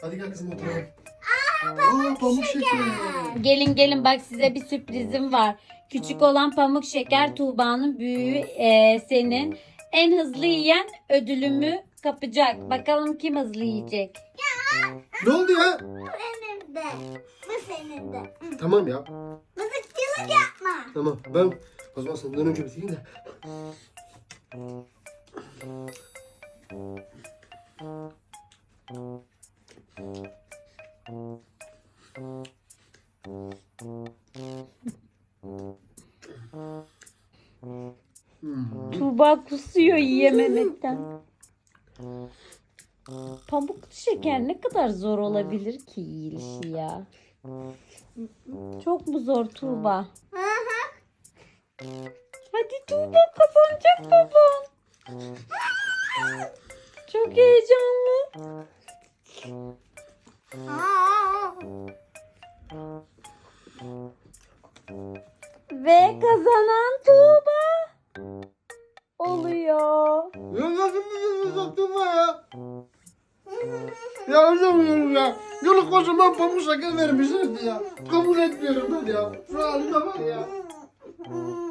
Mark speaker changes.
Speaker 1: Hadi gel kızım oturalım. Aa, pamuk şeker.
Speaker 2: Gelin gelin bak size bir sürprizim var. Küçük olan pamuk şeker Tuğba'nın, büyüğü senin. En hızlı yiyen ödülümü kapacak. Bakalım kim hızlı yiyecek.
Speaker 1: Ne oldu ya?
Speaker 3: Bu benim de. Bu senin de.
Speaker 1: Tamam ya.
Speaker 3: Mızıkçılık yapma.
Speaker 1: Tamam ben o zaman senden önce bitireyim de.
Speaker 2: Tuğba kusuyor yiyememekten. Pamuklu şeker ne kadar zor olabilir ki yiyilişi ya. Çok mu zor Tuğba? Hadi Tuğba kazanacak baban. Çok heyecanlı. Ve kazanan Tuğba oluyor.
Speaker 1: Ya nasıl bir sattın ya? Ya anlamıyorum ya. Yolu kocaman pamuk şeker vermişlerdi ya. Kabul etmiyorum ben ya. Şu halime bak ya.